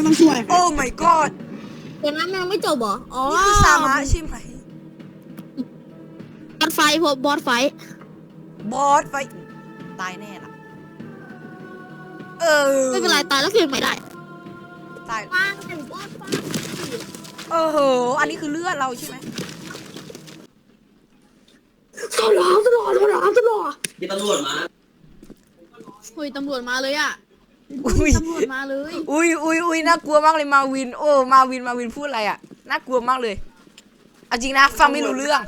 ต้องช่วยโอ้ my god เดี๋ยวนั้นยังไม่จบเหรออ๋อนี่คือซามะใช่ไหมบอสไฟพบบอสไฟบอสไฟตายแน่ล่ะไม่เป็นไรตายแล้วเกิดใหม่ได้ตายว่างแต่บอสไฟอันนี้คือเลือดเราใช่ไหมตลอดตลอดตลอดตลอดมีตำรวจมาคุยตำรวจมาเลยอ่ะอุ้ยตำรวจมาเลยอุ้ยน่ากลัวมากเลยมาวินโอ้มาวินพูดอะไรอ่ะน่ากลัวมากเลยเอาจริงนะฟังไม่รู้เรื่อง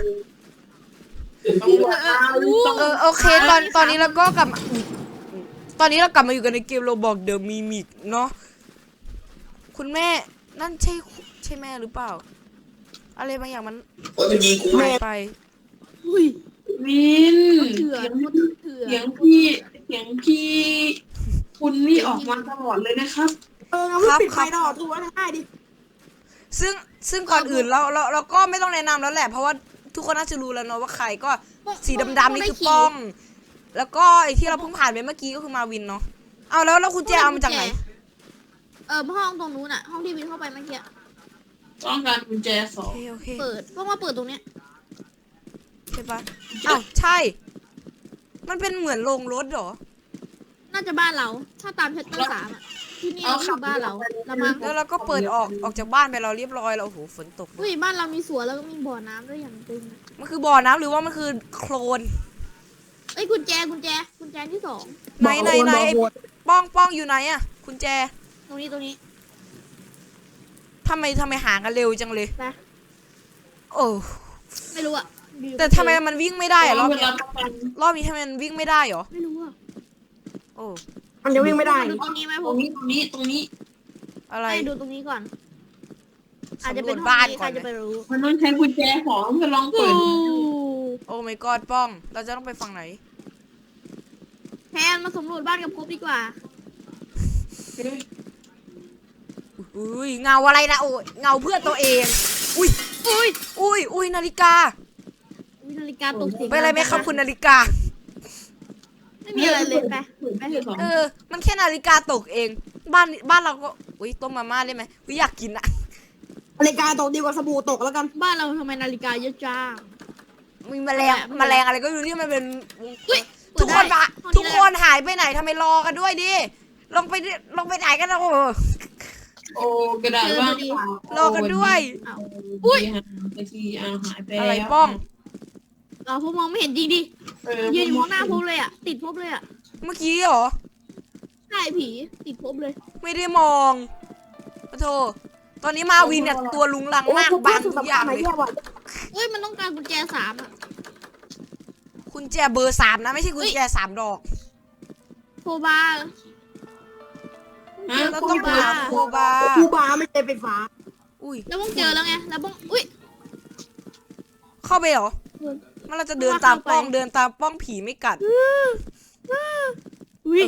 โอเคตอนนี้เราก็กลับมาตอนนี้เรากลับมาอยู่กันในเกมโรบอกเดอะมิมิกเนาะคุณแม่นั่นใช่แม่หรือเปล่าอะไรบางอย่างมันโอ้ยมันยิงกูหายไปอุ้ยวินเถื่อนเถื่อนเสียงพี่คุณนี่ออกมาตลอดเลยนะครับงั้นปิดไฟตลอดทุกวันได้ดิซึ่งก่อนอื่นเราก็ไม่ต้องแนะนำแล้วแหละเพราะว่าทุกคนน่าจะรู้แล้วเนาะว่าใครก็สีดำๆนี่คือป้อง แล้วก็ไอ้ที่เราเพิ่งผ่านไปเมื่อกี้ก็คือมาวินเนาะเอาแล้วคุณแจเอามาจากไหนห้องตรงนู้นอ่ะห้องที่วินเข้าไปเมื่อกี้ต้องการกุญแจสองโอเคเปิดเพราะว่าเปิดตรงเนี้ยใช่ปะอ้าวใช่ มันเป็นเหมือนโรงรถเหรอน่าจะบ้านเรา ถ้าตามชัตเตอร์3อ่ะที่นี่คือบ้านเราละมั้งแล้วเราก็เปิดออกจากบ้านไปเราเรียบร้อยแล้วโอ้โหฝนตกอุ้ยบ้านเรามีสวนแล้วก็มีบ่อน้ำด้วยอย่างตึงมันคือบ่อน้ำหรือว่ามันคือโคลนเอ้ยกุญแจที่2 ไหนไอ้ป้องอยู่ไหนอะคุณแจตรงนี้ทำไมหากันเร็วจังเลยไปโอ้ไม่รู้อ่ะแต่ทำไมมันวิ่งไม่ได้อะรอบเวนี้ลาประกันรอบนี้ทำไมมันวิ่งไม่ได้เหรอไม่รู้อ่ะโอ้มันจะวิ่งไม่ได้ดูตรงนี้ไหมผตรมงนี้อะไรให้ดูตรงนี้ก่อน อาจจะเป็นสำรวจบ้านห้องก่ใคอรนจะไปรู้มันต้องใช้กุญแจของเพื่อลองเปิดโอ้ my god ป้อง เราจะต้องไปฝั่งไหนแทนมาสำรวจบ้านกับครบดีกว่าอุ้ยเงาอะไรนะโอ้ยเงาเพื่อนตัวเอง อุ้ยนาฬิกามีนาฬิกาตกเสียงเป็นอะไรไหมครับคุณนาฬิกาไม่มีอะไรเลยไปมันแค่นาฬิกาตกเอง บ้านเราก็อุ้ยต้มมาม่าได้ไหมอุ้ยอยากกินอะนาฬิกาตกดีกว่าสบู่ตกแล้วกันบ้านเราทำไมนาฬิกาเยอะจังมีแมลงอะไรก็อยู่ที่มันเป็นอุ๊ยทุกคนปะห้องนี้ทุกคนหายไปไหนทำไมรอกันด้วยดิลงไปไหนกันนะโอ้โอ้กระดาษว่างรอกันด้วยเอาอุ้ยไปทีหายไปอะไรป้องเอาพวกมองไม่เห็นจริงดิยืนอยู่มองหน้าพบเลยอ่ะติดพบเลยอ่ะเมื่อกี้เหรอใช่ผีติดพบเลยไม่ได้มองปะโทตอนนี้มาวินเนี่ยตัวลุงลังมากบางทุกอย่างเลยเอ้ยมันต้องการกุญแจ3อ่ะคุณแจเบอร์3นะไม่ใช่คุณแจ3 ดอกโคบาเราต้องหาโคบาคูบาไม่ใช่ไฟฟ้าอุ้ยแล้วบ้องเจอแล้วไงแล้วบ้องอุ้ยเข้าไปเหรอมันเราจะเดินตามป้องเดินตามป้องผีไม่กัดอุ้ย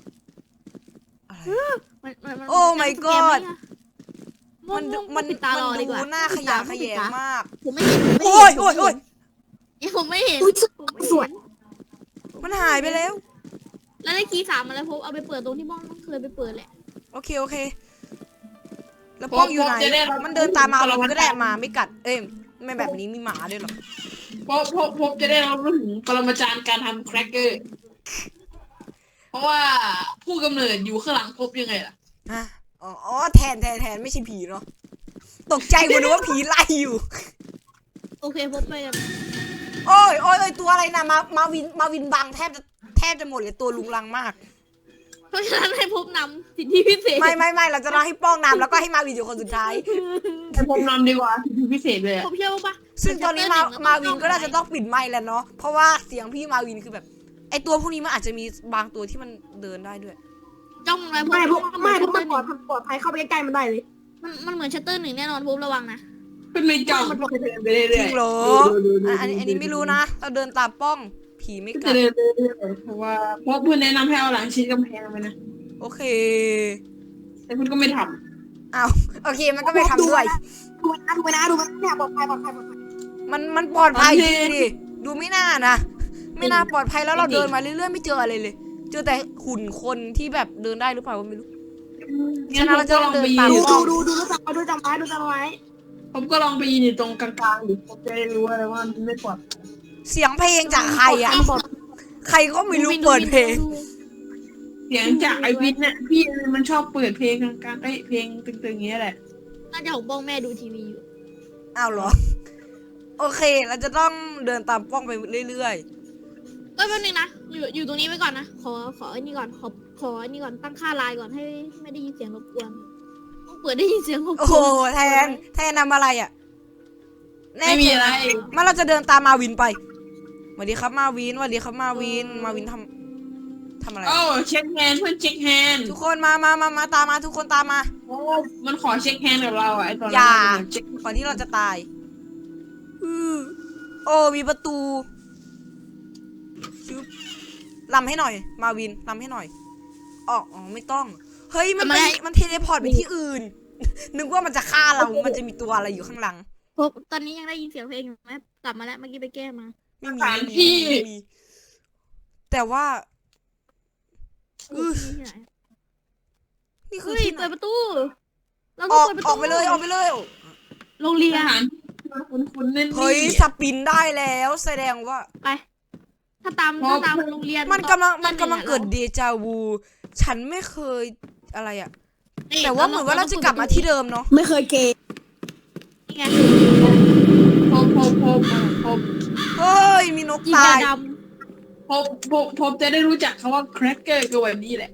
อะไรมันโอ้ my god มันปิดตารอดีกว่าดูหน้าขยะแขยงมากผมไม่เห็นโอ้ยผมไม่เห็นสวยมันหายไปแล้วแล้วได้คีย์3มาแล้วผมเอาไปเปิดตรงที่บ้องเคยไปเปิดแหละโอเคแล้วป้องอยู่ไหนมันเดินตามมาเราก็ได้มาไม่กัดเอ้ยไม่แบบนี้มีหมาด้วยหรอพบจะได้รับรู้ถึงปรมาจารย์การทำแครกเกอร์ เพราะว่าผู้กำเนิดอยู่ข้างหลังพบยังไงล่ะอ๋อแทนไม่ใช่ผีเนาะตกใจหมดเลยว่าผีไล่อยู่โอเคพบไปกันโอ้ยตัวอะไรนะมาวินบังแทบจะหมดเลยตัวลุงลังมากเพราะฉะนั้นให้พบนำสิทธิพิเศษไม่เราจะรอให้ป้องนำแล้วก็ให้มาวินอยู่คนสุดท้ายให้ผมนำดีกว่าพิเศษเลยผมเชื่อปะซึ่งตอนนี้มาวินก็น่าจะต้องปิดไมค์แล้วเนาะเพราะว่าเสียงพี่มาวินคือแบบไอตัวพวกนี้มันอาจจะมีบางตัวที่มันเดินได้ด้วยจ้องอะไรไม่พวกมันปลอดภัยเข้าไปใกล้ๆมันได้เลยมันเหมือนชัตเตอร์1แน่นอนพบระวังนะเป็นไม่จ้องมันเดินไปเรื่อยๆจริงเหรออันนี้ไม่รู้นะเราเดินตามป้องผีไม่กัจะดเดินเรื่อยๆเพราะว่าเพื่อนแนะนำให้เอาหลังชิดกำแพงไปนะโอเคแต่คุณก็ไม่ทอ้าวโอเคมันก็ไม่ทำด้วยำดูมันเนี่ยปลอดภัยมันปลอดภัยจริงดิดูไม่น่านะไม่น่าปลอดภัยแล้วเราเดินมาเรื่อยๆไม่เจออะไรเลย เจอแต่หุ่นคนที่แบบเดินได้หรือเปล่าก็ไม่รู้งั้นผมก็ลองไปยืนดูจังไว้ดูจังไว้ผมก็ลองไปยืนอยู่ตรงกลางๆดิผมจะได้รู้อะไรว่ามันไม่ปลอดเสียงเพลงจากใครอ่ะ ใครก็ไม่รู้เปิดเพลงเสียงจากไอวินเนี่ยพี่มันชอบเปิดเพลงกลางๆเพลงตึงๆอย่างเงี้ยแหละน่าจะของบ้องแม่ดูทีวีอยู่อ้าวเหรอ โอเค เราจะต้องเดินตามป้องไปเรื่อยแป๊บนึงนะอยู่ตรงนี้ไว้ก่อนนะขอไอ้นี่ก่อนขอไอ้นี่ก่อนตั้งค่าไลน์ก่อนให้ไม่ได้ยินเสียงรบกวนต้องเปิดได้ยินเสียงรบๆกโอ้วนโห แทนนำอะไรอ่ะแน่ไม่มีอะไรมาเราจะเดินตามมาวินไปสวัสดีครับมาวินสวัสดีครับมาวินทำอะไรโอ้เช็คแฮนด์เพื่อนเช็คแฮนด์ทุกคนมาตามมาทุกคนตามมาโอ้มันขอเช็คแฮนด์กับเราอะไอตอนอนั้นย่ามันเช็คก่อนที่เราจะตายโอ้มีประตูชึบลำให้หน่อย มาวินลำให้หน่อยอ๋อไม่ต้อง เฮ้ยมันเทเลพอร์ตไปที่อื่น นึกว่ามันจะฆ่าเรา มันจะมีตัวอะไรอยู่ข้างหลังพบตอนนี้ยังได้ยินเสียงเพลงอยู่ไหมกลับมาแล้วเมื่อกี้ไปแก้มาไม่มีสถานที่ไม่มีแต่ว่าที่ไหนนี่คือเฮ้ยที่ไหนเปิดประตูเราอต้ออง กเปิดประตูออกไปเลยโรงเรียสนถานที่คุ้นๆแน่นๆเฮ้ยสปินได้แล้วแสดงว่าไป ถ้าตามโรงเรียนมันกำลังเกิดเดจาวู ฉันไม่เคยอะไรอะแต่ว่าเหมือนว่าเราจะกลับมาที่เดิมเนาะไม่เคยเกย์นี่ไงพบเฮ้ยมีนกยิงตายดผมจะได้รู้จักคำว่าแครกเกอร์ก็แบบนี้แหละ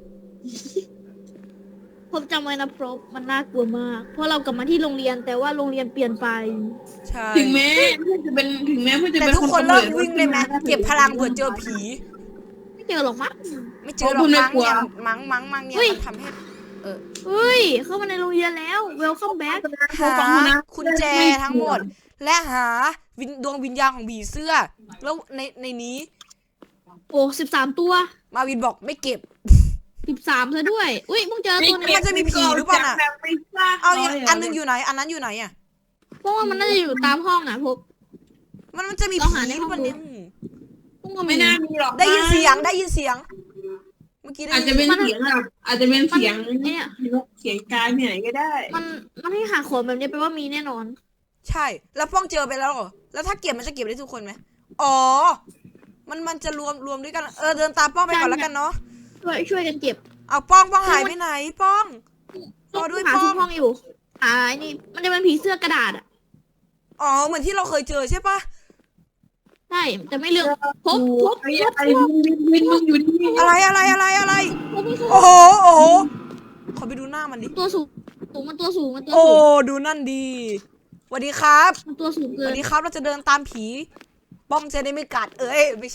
ำผมจำไว้นะพรบมันน่ากลัวมาก เพราะเรากลับมาที่โรงเรียนแต่ว่าโรงเรียนเปลี่ยนไปใช่ถึงแม้เพื่อนจะเป็นแต่ทุกคนเลิกวิ่งเลยไหมเก็บพลังเผื่อเจอผีไม่เจอหรอกมั้งไม่เจอหรอกมั้งเนี่ยมั้งเนี่ยเฮ้ยมันทำให้เฮ้ย เข้ามาในโรงเรียนแล้ว welcome back หากุญแจทั้งหมด และหาดวงวิญญาณของผีเสื้อ แล้วในนี้โอ้13 ตัวมาวินบอกไม่เก็บ 13ซะด้วย อุ้ยมึงเจอตัวนึงมันจะมีผีหรือเปล่าน่ะ เอาอีกอันนึงอยู่ไหน อันนั้นอยู่ไหนอ่ะเพราะว่ามันน่าจะอยู่ตามห้องอ่ะพบมันจะมีต้องผีหาในหห้รือ อง เปล่าเนี่ยพวกมันไม่น่ามีหรอกได้ยินเสียงเมื่อกี้ได้อาจยิจะนเป็นเสียงแบบอาจจะเป็นเสียงเนี่ยเสียงกายที่ไหนก็ได้มันให้หาของแบบนี้แปลว่ามีแน่นอนใช่ แล้วป้องเจอไปแล้วเหรอ แล้วถ้าเก็บมันจะเก็บได้ทุกคนไหมอ๋อ มันจะรวมด้วยกัน เดินตามป้องไปก่อนแล้วกันเนาะช่วยกันเก็บเอาป้องหายไปไหนป้องรอด้วยหาป้ทุอก งห้องอยู่หาไอ้นี่มันจะเป็นผีเสื้อกระดาษอ่ะอ๋อ เหมือนที่เราเคยเจอใช่ปะใช่แต่ไม่เลือกพบไอ้วินมึงอยู่ที่นี่อะไรพบโอ้โหขอไปดูหน้ามันดิตัวสูงมันตัวสูงโอ้ ดูนั่นดีสวัสดีครับมันตัวสูงสเกิวัน สดีครับ เราจะเดินตามผี ป้องจะได้ไม่กัด เอ้ย ไม่ใช่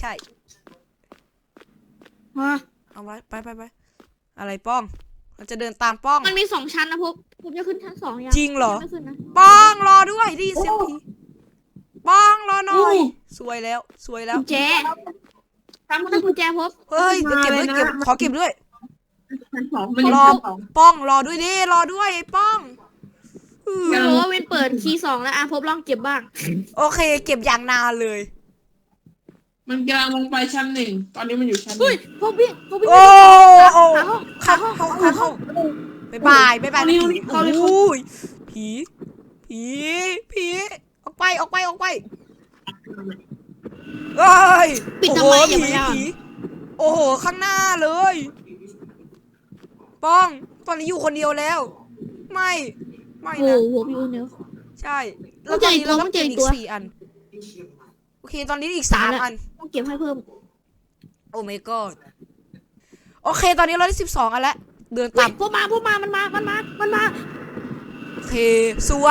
ฮะเอาไว้ไปอะไรป้อง เราจะเดินตามป้องมันมี2 ชั้นนะพบจะขึ้นชั้น2ยังจริงเหรอไม่ขึ้นนะป้องรอด้วยได้ยินเสียงผีป้องรอหน่อย สวยแล้วกุญแจทำมันได้กุญแจพบเฮ้ยเดี๋ยวเก็บด้วยขอเก็บด้วยชั้นสองมันอยู่รอชั้นสองป้องรอด้วยดิรอด้วยไอ้ป้องอืมไม่รู้ว่าเว้นเปิดคีย์2แล้วพบลองเก็บบ้างโอเค เก็บอย่างนานเลยมันกำลังลงไปชั้น 1ตอนนี้มันอยู่ชั้นหเฮ้นึ่ยงพบวิ่งโอ้โอ้หาห้องเข้าบายผีโอ้ยผีออกไปเอ้ยปิดโอ้ทำโหไมอย่ามาย่าผีโอ้โหข้างหน้าเลยป้องตอนนี้อยู่คนเดียวแล้ว ไม่โอ้นะโหพี่อุ้นเนอะใช่แล้วตอนนี้เราต้องเก็บอีกต้องเจออีกตัว 4 อันโอเคตอนนี้อีก3 อันต้องเก็บให้เพิ่มโอ้ my god โอเค ตอนนี้เราได้12 อันแล้ว เดินเฮ้ตาย มพวกมามันมาโอเค สวย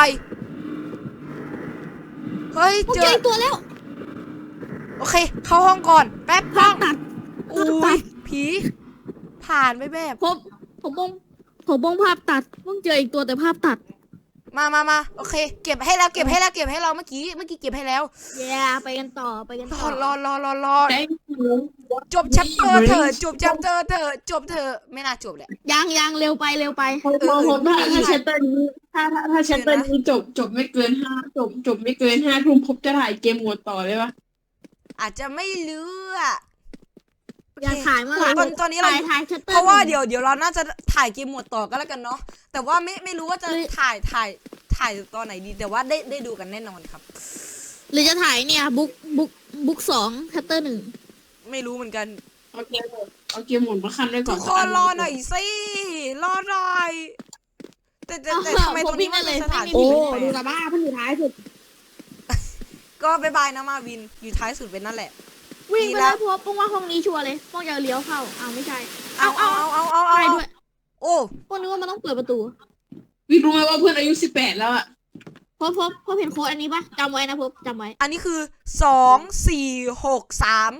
เฮ้ยพวกเจเจอออีกตัวแล้วโอเค เข้าห้องก่อน แป๊บภาห้อพงตัดอุ้ย ผี ผ่านไปแบบผมบงภาพตัดเพิ่งเจออีกตัวแต่ภาพตัดมาโอเค เก็บให้เราเมื่อกี้เก็บให้แล้วเย้ไปกันต่อรอได้จบแชปเตอร์เถอะจบเถอะไม่น่าจบแหละยังเร็วไปผมถ้าชัตเตอร์นี้ถ้าชัตเตอร์นี้จบไม่เกินจบไม่เกิน5 ทุ่มผมจะถ่ายเกมโหมดต่อเลยปะอาจจะไม่เลืออย่าถ่ายเมื่อไหร่ตอนนี้เราถ่ายชัตเตอร์เพราะว่าเดี๋ยวเราน่าจะถ่ายเกมหมดต่อก็แล้วกันเนาะแต่ว่าไม่รู้ว่าจะถ่ายตอนไหนดีแต่ว่าได้ดูกันแน่นอนครับหรือจะถ่ายเนี่ยบุ๊ก2ชัตเตอร์1 ไม่รู้เหมือนกันเอาเกมหมุนมาคันไว้ก่อทุนกคนรอหน่อยสิรอหน่อยแต่ทำไมตรงนี้มันเป็นสถานโอ้ที่ดูแปลละกบ้าเพิ่งอยู่ท้ายสุดๆก็บายบายนะมาวินอยู่ท้ายสุดเป็นนั่นแหละวิ่งดีไปแล้แล้ว วพวกป้องว่าห้องนี้ชัวร์เลยป้องจะเลี้ยวเข้าไม่ใช่เอาใช่ด้วยโอ้ป้องนึกว่ามันต้องเปิดประตูวิรู้ไหมว่าเพื่อนอายุ18แล้วอะพบเห็นโค้ดอันนี้ปะจำไว้นะพบจำไว้อันนี้คือ2463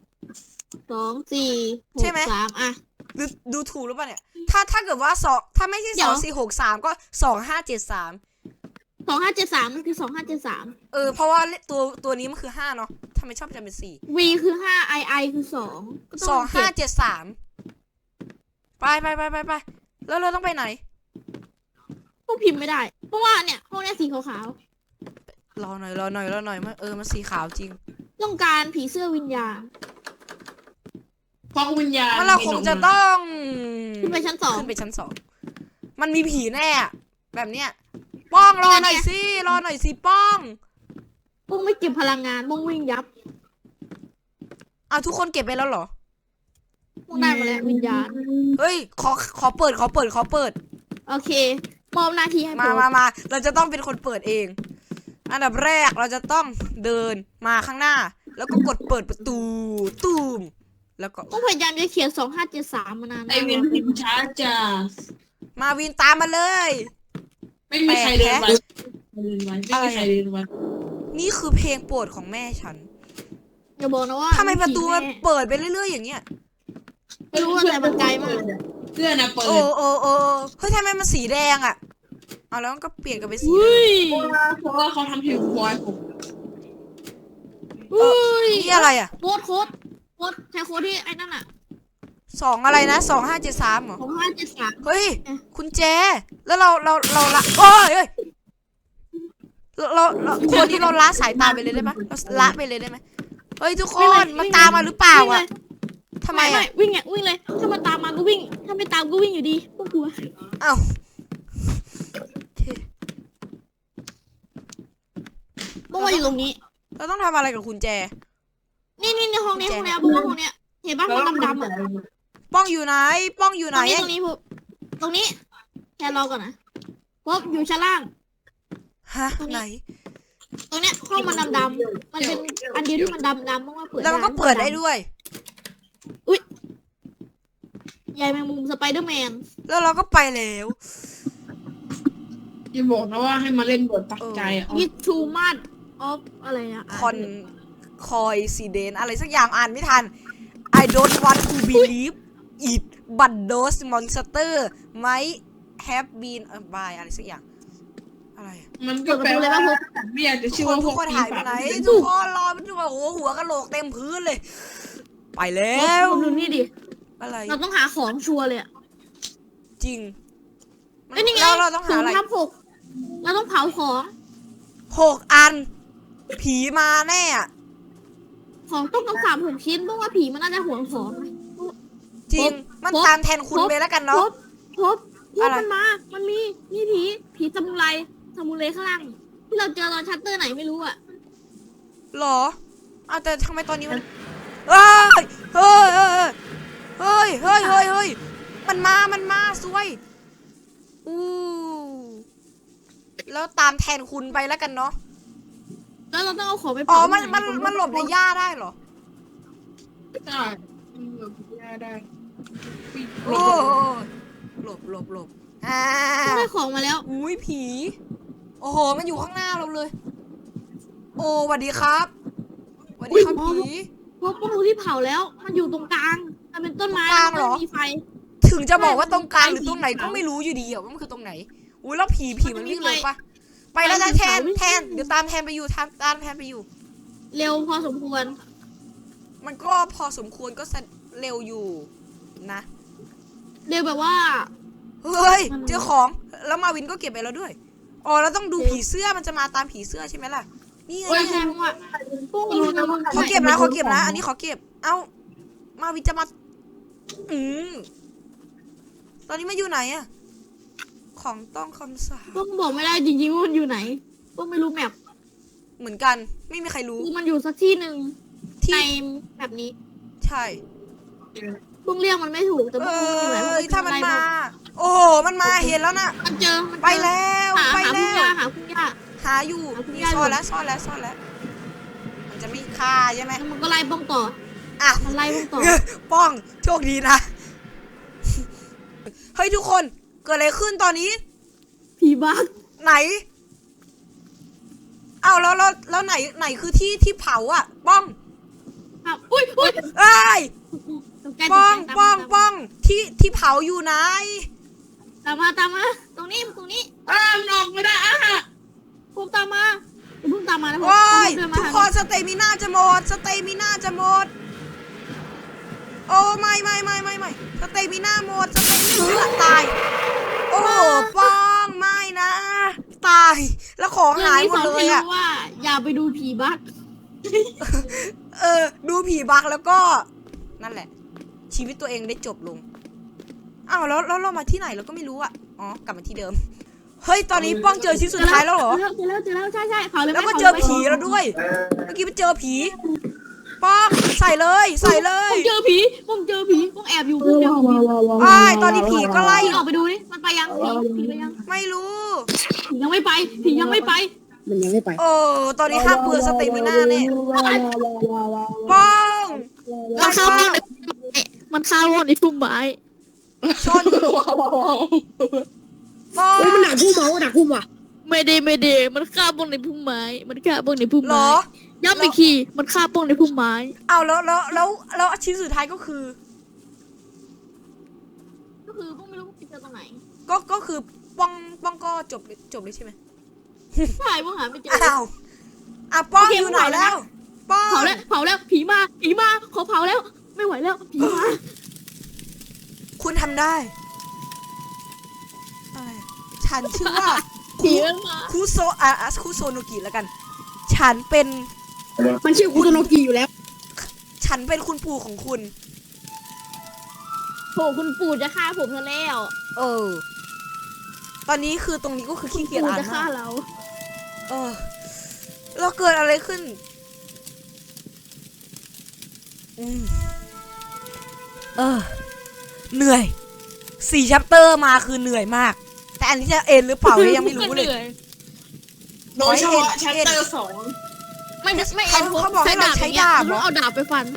2 4 ใช่ไหม 6 3อ่ะดูถูกหรือเปล่าเนี่ยถ้าเกิดว่าถ้าไม่ใช่เดี๋ยว 2463ก็2573 2573มันคือ2573 เพราะว่าตัวนี้มันคือ5เนาะทำไมชอบจำเป็น4 V คือ5 I คือ2ก็ต้องเป็น7 2573ไปแล้วเราต้องไปไหนพวกพิมพ์ไม่ได้ เพราะว่าเนี่ยห้องเนี้ยสีขาวรอหน่อยมันสีขาวจริงๆต้องการผีเสื้อวิญญาณเพราะวิญญาณมันเราคงจะต้องขึ้นไปชั้นขึ้นไปชั้น2มันมีผีแน่อะแบบเนี้ยป้องรอหน่อยสิป้อง 2พวกไม่เก็บพลังงานพวกวิ่งยับเอาทุกคนเก็บไปแล้วเหรอพวกได้มาแล้ววิญญาณเฮ้ยขอเปิดโอเคมอบหน้าที่ให้ผมมาเราจะต้องเป็นคนเปิดเอง อันดับแรกเราจะต้องเดินมาข้างหน้า แล้วก็กดเปิดประตูตูมแล้วก็ต้องพยายามจะเขียน2573มานานไอเวียนพิมพ์ช้าจ้ามาวินตามมาเลยไม่มีใครเดินไปไม่มีใครเดินไปนี่คือเพลงโปรดของแม่ฉันอย่าบอกนะว่าทำไมประตูมันเปิดไปเรื่อยๆอย่างเงี้ยไม่รู้ว่าแต่มันไกลมากเพื่อนนะเปิดโอ้เฮ้ยทำไมมันสีแดงอ่ะเอาแล้วมันก็เปลี่ยนกันเป็นสีอุ้ยเพราะว่าเขาทำเพลงบอยผมอุ้ยนี่อะไรอ่ะโค้ดใช้โค้ดที่ไอ้นั่นอ่ะ 2อะไรนะ2573เหรอ 2573 เฮ้ยคุณแจแล้วเราละโอ้ยเราคนที่เราละสายตาไปเลยได้ไหมเราละไปเลยได้ไหมเฮ้ยทุกคนมันตามมาหรือเปล่าอ่ะทำไมอ่ะวิ่งเลยถ้ามันตามมาก็วิ่งถ้าไม่ตามก็วิ่งอยู่ดีพวกกลัวเอ้าโอเคพวกมาอยู่ตรงนี้เราต้องทำอะไรกับคุณแจนี่ห้องนี้พวกห้องเนี้ยเห็นป่ะห้องดำๆอ่ะป้องอยู่ไหนตรงนี้พวกตรงนี้แค่รอก่อนนะพบอยู่ชั้นล่างฮะไหนตรงเนี้ยห้องมันดำๆมันเป็นอันเดียวที่มันดำๆมากๆเปิดแล้วมันก็เปิดได้ด้วยใหญ่แมงมุมสไปเดอร์แมนแล้วเราก็ไปแล้วอย่าบอกนะว่าให้มาเล่นบทปักใจอ่ะวิทูมัดออฟอะไรอะคอยซีเดนอะไรสักอย่างอ่านไม่ทัน I don't want to believe it but those monster might have been by อะไรสักอย่างอะไรอะมันก็แปลว่าไม่อยากจะเชื่อว่าทุกคนหายไปไหนทุกคนรอไปดูว่าโอ้โหหัวกะโหลกเต็มพื้นเลย ไปแล้วดูนี่ดิอะไรเราต้องหาของชัวร์เลยอะจริงเอ้ยนี่ไงเราต้องหาอะไร 0/6เราต้องเผาของ 6 อัน ผีมาแน่อะของต้องกำสาม6ชิ้นเพราะว่าผีมันน่าจะห่วงของนะจริง มันตามแทนคุณไปแล้วกันเนาะพบมันมา มันมีผีซามูไรข้างล่างที่เราเจอตอนชัตเตอร์ไหนไม่รู้อะหรอเอาแต่ทำไมตอนนี้มันเฮ้ยมันมาซวยอู้แล้วตามแทนคุณไปแล้วกันเนาะแล้วเราต้องเอาของไปอ๋อเผามันหลบในหญ้าได้เหรอได้ได้โอ้หลบอ่าได้ของมาแล้วอุ้ยผี โอ้โห มันอยู่ข้างหน้าเราเลย โอ้สวัสดีครับสวัสดีครับผีพบประตูที่เผาแล้ว มันอยู่ตรงกลาง มันเป็นต้นไม้ตรงกลางเหรอแล้วมันมีไฟถึงจะบอกว่าตรงกลางหรือตรงไหนก็ไม่รู้อยู่ดีอะว่ามันคือตรงไหน อุ้ยแล้วผีมันวิ่งเร็วปะไปแล้วนะแทนเดี๋ยวตามแทนไปอยู่ตามแทนไปอยู่เร็วพอสมควรมันก็พอสมควรก็เร็วอยู่นะเร็วแบบว่าเฮ้ยเจอของแล้วมาวินก็เก็บไปแล้วด้วยอ๋อเราต้องดูผีเสื้อมันจะมาตามผีเสื้อใช่ไหมล่ะนี่ไงแสดงว่าพวกนี้ขอเก็บนะอันนี้ขอเก็บเอ้ามาวินจะมาอืมตอนนี้มาอยู่ไหนอะของต้องคำสาปต้องบอกไม่ได้จริงๆว่ามันอยู่ไหนต้องไม่รู้แมปเหมือนกันไม่มีใครรู้คือมันอยู่สักที่หนึ่งที่ในแบบนี้ใช่เพิ่งเรียกมันไม่ถูกแต่เอเพิ่งอยู่ไหนอถ้ามันมา โอ้โหมันมาเห็นแล้วนะมันเจอมันเจอไปแล้วไปหาแล้พุ่งวยาหาพุ่งยาหาอยู่หาคุณนี่ยายซ่อนแล้วซ่อนแล้วซ่อนแล้ว มันจะไม่ฆ่าใช่ไหมแล้วมันก็ไล่ป้องต่ออ่ะมันไล่ป้องต่อป้องโชคดีนะเฮ้ยทุกคนเกิดอะไรขึ้นตอนนี้ผีบักไหนเอาแล้วไหนคือที่เผาอ่ะ ป้องครับอุ้ยเอ้ยตกใจป้องตกใจป้องที่เผาอยู่ไหนตามมาตามมาตรงนี้มันออกไม่ได้พุ่งตามมาอย่าเพุ่งตามมานะโอ้ยเดินมาทุกคนสเตมิน่าจะหมดโอ้ไม่สเตมิน่าหมดสเตมิน่าตายโอ้ป้องไม่นะตายแล้วของหายหมดเลยอ่ะรื่องนี้สนให้รู้ว่า อย่าไปดูผีบักดูผีบักแล้วก็นั่นแหละ ชีวิตตัวเองได้จบลงอ้าวแล้วเรามาที่ไหนเราก็ไม่รู้อ่ะอ๋อกลับมาที่เดิมเฮ้ยตอนนี้ป้องเจอชิ้นสุดท้ายแล้วเหรอเจอแล้วใช่เผาเลยไหมแล้วก็เจอผีแล้วด้วยเมื่อกี้ไปเจอผีป้องใส่เลยผมเจอผีผมแอบอยู่ผมเจอผีอ้ายตอนนี้ผีก็ไล่ผีออกไปดูนี่มันไปยังผีไปยังไม่รู้ผียังไม่ไปผียังไม่ไปมันยังไม่ไปโอ้ตอนนี้ห้ามเปลืองสเตมิน่าเนี่ยป้องมันเข้าห้องในมันเข้าห้องในพุ่มไม้ชนป้องโอ้ยมันหนักพุ่มเหรอหนักพุ่มว่ะไม่ได้มันฆ่าป้องในพุ่มไม้มันฆ่าป้องในพุ่มเหรไม้อย้ำอีกทีมันฆ่าป้องในพุ่มไม้เอาแล้วชิ้นสุดท้ายก็คือก็คือป้องไม่รู้ไปเจอตรงไหนก็คือป้องก็จบเลยใช่ไหมใช่ป้องหาไม่เจออ้าวป้องโอเคอยู่ไหนแล้ว ป้องเผาแล้วผีมาขอเผาแล้วไม่ไหวแล้วผีมาคุณทำได้อะไรฉันชื่อว่าผีมันมาคุโซโนกิแล้วกัน ฉันเป็นมันชื่อคุโตโนกิอยู่แล้วฉันเป็นคุณปู่ของคุณโหคุณปู่จะฆ่าผมซะแล้วเออ ตอนนี้คือตรงนี้ก็คือขี้เกียจปู่อ่านจะฆ่ามากเราเออแล้วเกิดอะไรขึ้นเหนื่อย4 ชัปเตอร์มาคือเหนื่อยมาก แต่อันนี้จะเอ็นหรือเปล่ายังไม่รู้เลยโดยเฉพาะชัตเตอร์2 ไม่เขาบอกให้เราใช้ดาบเหรอต้องเอาดาบไปฟัน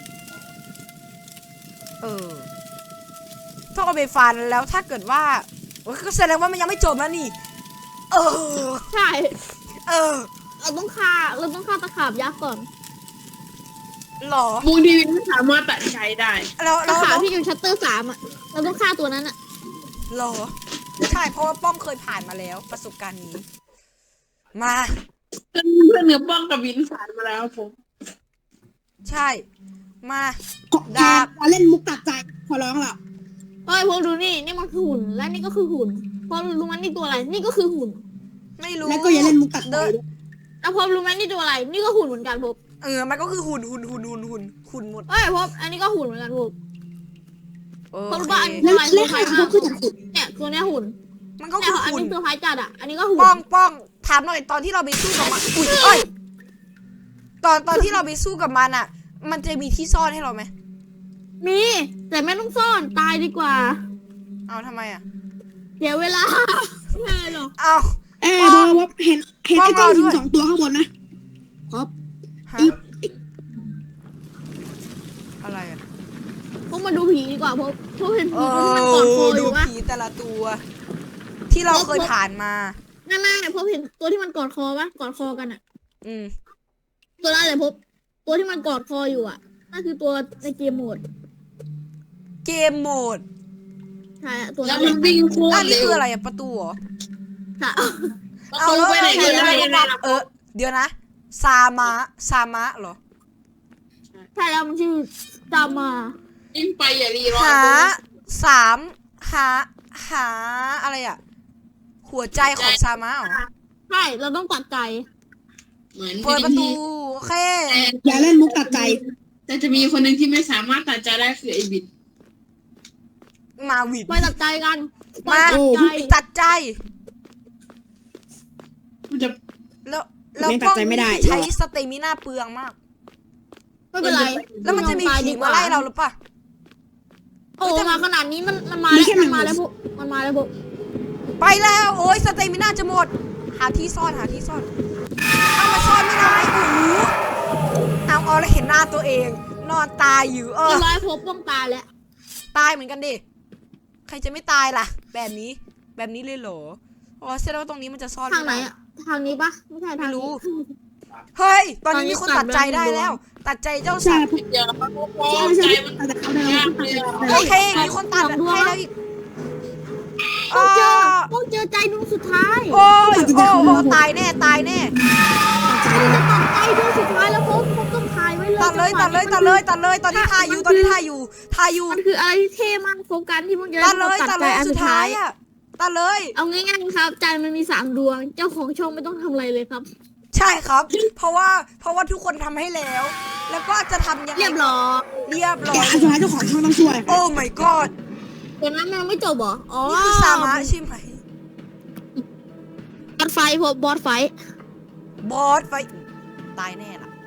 ต้องเอาไปฟันแล้วถ้าเกิดว่าก็แสดงว่ามันยังไม่จบนะนี่ใช่เออเราต้องฆ่าตะขาบยักษ์ก่อนหรอมูลทีวีไม่สามารถตัดใช้ได้แล้วตะขาบที่อยู่ชัตเตอร์3อ่ะเราต้องฆ่าตัวนั้นอ่ะหรอใช่เพราะว่าป้อมเคยผ่านมาแล้วประสบการณ์นี้ มาเพื่อนเนื้อป้องกับวินผ่านมาแล้วผมใช่มาดาบเล่นมุกตัดใจขอร้องล่ะเฮ้ยพวกดูนี่มันคือหุ่นและนี่ก็คือหุ่นพอรู้ไหมนี่ตัวอะไรนี่ก็คือหุ่นไม่รู้แล้วก็อย่าเล่นมุกตัดใจเดินด้วยแล้วพบรู้ไหมนี่ตัวอะไรนี่ก็หุ่นเหมือนกันพบมันก็คือหุ่นหมดเฮ้ยพบอันนี้ก็หุ่นเหมือนกันพบโอเพราะเคว่าอันนี้เล่นขาเขาคือจากขุดเนี่ยตัวเนี้ยหุ่นมันก็เนี่คืยออันหุ่นนี้ตัวคล้ายจัดอ่ะอันนี้ก็หุ่นป้องถามหน่อยตอนที่เราไปสู้กับมันอุ้ยเอ้ยตอนที่เราไปสู้กับมันอ่ะ มันจะมีที่ซ่อนให้เราไหมมีแต่ไม่ต้องซ่อนตายดีกว่าเอาทำไมอ่ะเดี๋ยวเวลาไม่หรอกเอาพอว่าเห็นไอ้เจ้าหิน2 ตัวข้างบนนะครับฮะอะไรอ่ะพวกมาดูผีดีกว่าพวกเห็นผีตัวที่มันกอดคออดูยู่วะผีแต่ละตัว ที่เราเคยผ่านมานั่นพบเห็นตัวที่มันกอดคอปะกอดคอกันอ่ะอืมตัวนั้นเลยพบตัวที่มันกอดคออยู่อ่ะนั่นคือตัวในเกมโหมดเกมโหมดใช่อะตัวแล้นั้วน มันวิ่งโคตอัรนนี้เร็วคืออะไรอ่ะประตูเหรอค่ะเอาแล้วไปไหนก็ได้ยังไงล่ะเดี๋ยวนะ ซามะเหรอใช่แล้วมันชื่อจามาวิ่งไปอย่ารีรอหาอะไรอ่ะ หัวใจของซามะเหรอใช่เราต้องตัดใจเหมือนเปิดประตูโอเคอย่าเล่นมุกตัดใจแต่จะมีคนหนึ่งที่ไม่สามารถตัดใจได้คือไอ้บิดมาวิดไปตัดใจกันมาตัดใจตัดใจมันจะแล้วไม่ตัดใจไม่ได้ใช้สเตมิน่าเปลืองมากไม่เป็นไรแล้วมันจะมีผีมาไล่เราหรือเปล่าโอ้มาขนาดนี้มันมาแล้วมันมาแล้วพวกมันมาแล้วพวกไปแล้วโอ้ยสเตมิน่าจะหมด หาที่ซ่อนเอามาซ่อนไม่ได้โอ้โหเอาแล้วเห็นหน้าตัวเอง นอนตายอยู่เรียบร้อยพบต้องตายแล้วตายเหมือนกันดิใครจะไม่ตายล่ะ แบบนี้เลยเหรออ๋อแสดงว่าตรงนี้มันจะซ่อนทางไหนอะทางนี้ปะไม่ใช่ทางนี้เฮ้ยตอนนี้มีคนตัดใจได้แล้ว ตัดใจเจ้าสัตว์เดี๋ยวพอใช่ใจใช่มันแต่เขาได้แล้วโอเคมีคนตัดให้แล้วอีกต้องเจอใจดวงสุดท้ายโอ้ตายแน่ใจเลยจะตัดใจดวงสุดท้ายแล้วพบต้องถ่ายไว้เลยตัดเลยตอนนี้ถ่ายอยู่มันคืออะไรที่เท่มากโฟกัสที่มึงจะตัดเลยใจอันสุสุดดท้าท้าย ยอ่ะตัดเลยเอาง่ายๆครับใจมันมี3ดวงเจ้าของช่องไม่ต้องทำอะไรเลยครับใช่ครับ เพราะว่าทุกคนทำให้แล้ว แล้วก็จะทำยังไงเรียบร้อยเรียบร้แต่อยอันสุดท้ายเจ้าของช่องต้องช่วยโอ้ my god เดี๋ยวนั้นมันไม่จบเหรออ๋อนี่คือสามารถใช่ไหมบอสไฟพบบอสไฟบอสไฟตายแน่ล่ะ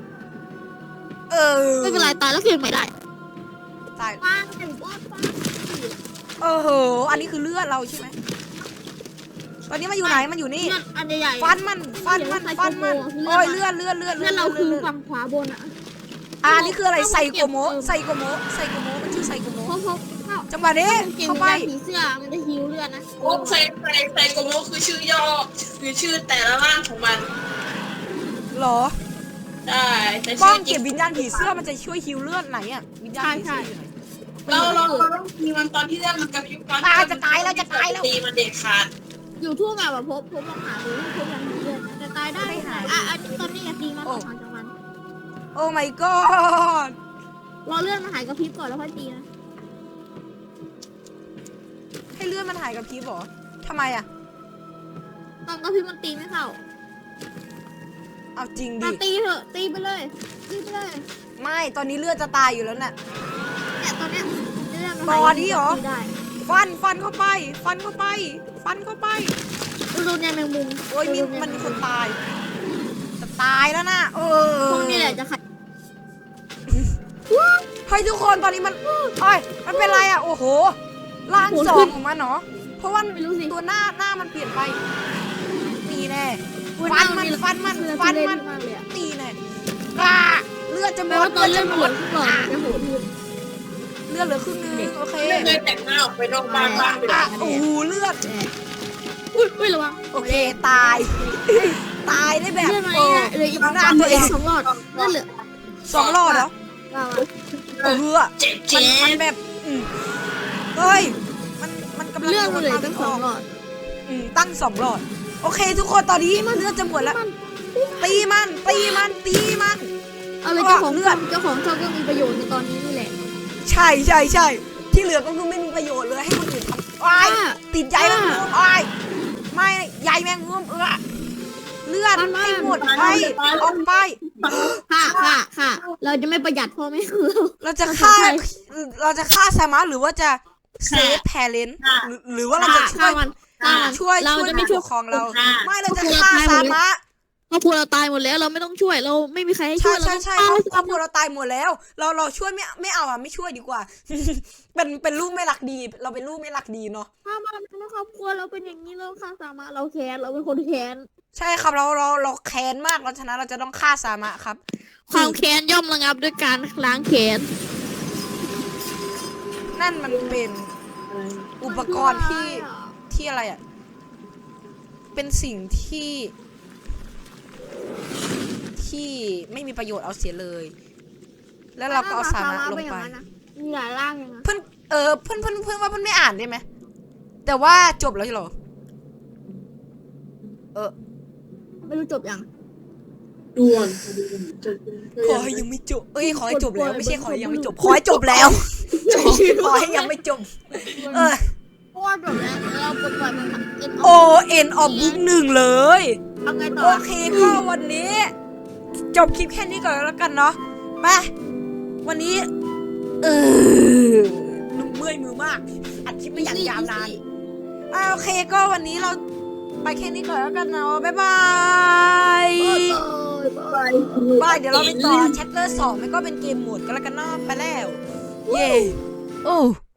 ไม่เป็นไรตายแล้วคืนไม่ได้ตายมาถึงบอสไฟอันนี้คือเลือดเราใช่ไหมตอนนี้มันอยู่ไหนมันอยู่นี่เลือดอันใหญ่ๆฟันมันโอ้ยเลือดเลือดเราคือฝั่งขวาบนอ่ะอันนี้คืออะไรไซโกโมมันชื่อไซโกโมเพราะจังหวะนี้กินเข้าไปยาผีเสื้อมันจะฮิวเลือดนะโอ้ใส่โกโมคือชื่อย่อคือชื่อแต่ละร่างของมันหรอได้แต่ป้อชื่งอจริเก็บงวิญญาณผีเสื้อมันจะช่วยฮิวเลือดไหนอ่ะวิญญาณผีเสื้ออยู่ไหนเราต้องมีมันตอนที่เรื่องมันกระพริบตอนจะตายแล้วตีมันเด็ดขาดอยู่ทั่วแบบว่าพบลองหาดูพบยังมีเลือดแต่ตายได้อันนี้ตอนนี้อย่าตีมันออกมาจากมันโอ้ my god รอเลือดมันหายกระพริบก่อนแล้วค่อยตีนะให้เลือดมันหายกับพีบเหรอทำไมอ่ะตอนกระพริบมันตีไม่เข้าเอาจริงดิมาตีเถอะตีไปเลยไม่ตอนนี้เลือดจะตายอยู่แล้วน่ะเนี่ยตอนเนี้ยเลือดมันตอนนี้เหรอตีได้ฟันเข้าไปดูเนี่ยแมงมุมโอ้ยมันมีคนตายจะตายแล้วนะพวกนี้แหละจะขัดเฮ้ยทุกคนตอนนี้มันมันเป็นไรอ่ะโอ้โหร่างสองของมันเนาะเพราะว่าไม่รู้สิตัวหน้ามันเปลี่ยนไปนี่แน่อุ๊ยฟันมันเล่มากเลยอะตีแน่เลือดจะหมแม้ดว่าตอนเลือดมันเหลือครึ่งหลอดมันจะโหดขึ้นเลือดเหลือครึ่งนึงโอเคไม่เคยแต่งหน้าออกไปนอกบ้านบ้างเลยโอ้โหเลือดอุ้ยระวังโอเคตาย ตายได้แบบเลือดมา เหลืออีกหน้าตัวเอง 2 หลอดเลือดเหลือ 2 หลอดเหรอเจ็บมันแบบเฮ้ยมันกำลังเลือดมันเหลือตั้ง 2 หลอดตั้ง2 หลอดโอเคทุกคนตอนนี้เลือดจะหมดแล้วตีมันเอาเลยเจ้าของช่องก็มีประโยชน์ในตอนนี้นี่แหละใช่ที่เหลือก็คือไม่มีประโยชน์เลยให้คนอื่นทำติดใยแมงมุมไม่ใยแมงมุมเลือดให้หมดไปออกไปค่ะ เราจะไม่ประหยัดพ่อแม่คือเราจะฆ่าสามารถหรือว่าจะเซฟแพเลนหรือว่าเราจะช่วยเราจะไม่ช่วยของเราไม่เราจะฆ่าสามารถครอบครัวเราตายหมดแล้วเราไม่ต้องช่วยเราไม่มีใครให้ช่วยใช่ครอบครัวเราตายหมดแล้ว เราช่วยไม่เอาไม่ช่วยดีกว่า เป็นลูกไม่รักดี เราเป็นลูกไม่รักดีเนาะถ้ามาเป็นครอบครัวเราเป็นอย่างนี้เราฆ่าสามารถเราแค้นเราเป็นคนแค้นใช่ครับเราแค้นมากเราฉะนั้นเราจะต้องฆ่าสามารถครับความแค้นย่อมระงับด้วยการล้างแค้นนั่นมันเป็นอุปกรณ์ที่อะไรอ่ะเป็นสิ่งที่ไม่มีประโยชน์เอาเสียเลย แล้วเราก็เอาสามารถลงไปมีหลายร่างเลยนะเพื่อนว่าเพื่อนไม่อ่านได้ไหมแต่ว่าจบแล้วเหรอไม่รู้จบยังด่วนขอให้ยังไม่จบขอให้จบแล้วไม่ใช่ขอให้ยังไม่จบขอให้จบแล้วขอให้ยังไม่จบเพราะว่าจบแล้วเราปลดปล่อยมันเอ็นออฟบุ๊ก1เลยเอาไงต่อโอเคก็วันนี้จบคลิปแค่นี้ก่อนแล้วกันเนาะไปวันนี้ เมื่อยมือมาก อัดคลิปไม่อย่างยาวนานโอเคก็วันนี้เราไปแค่นี้ก่อนแล้วกันเนาะบ๊ายบายบายเดี๋ยวเราไปต่อ chapter 2มันก็เป็นเกมโหมดกันแล้วกันเนาะไปแล้ว เย้โอ้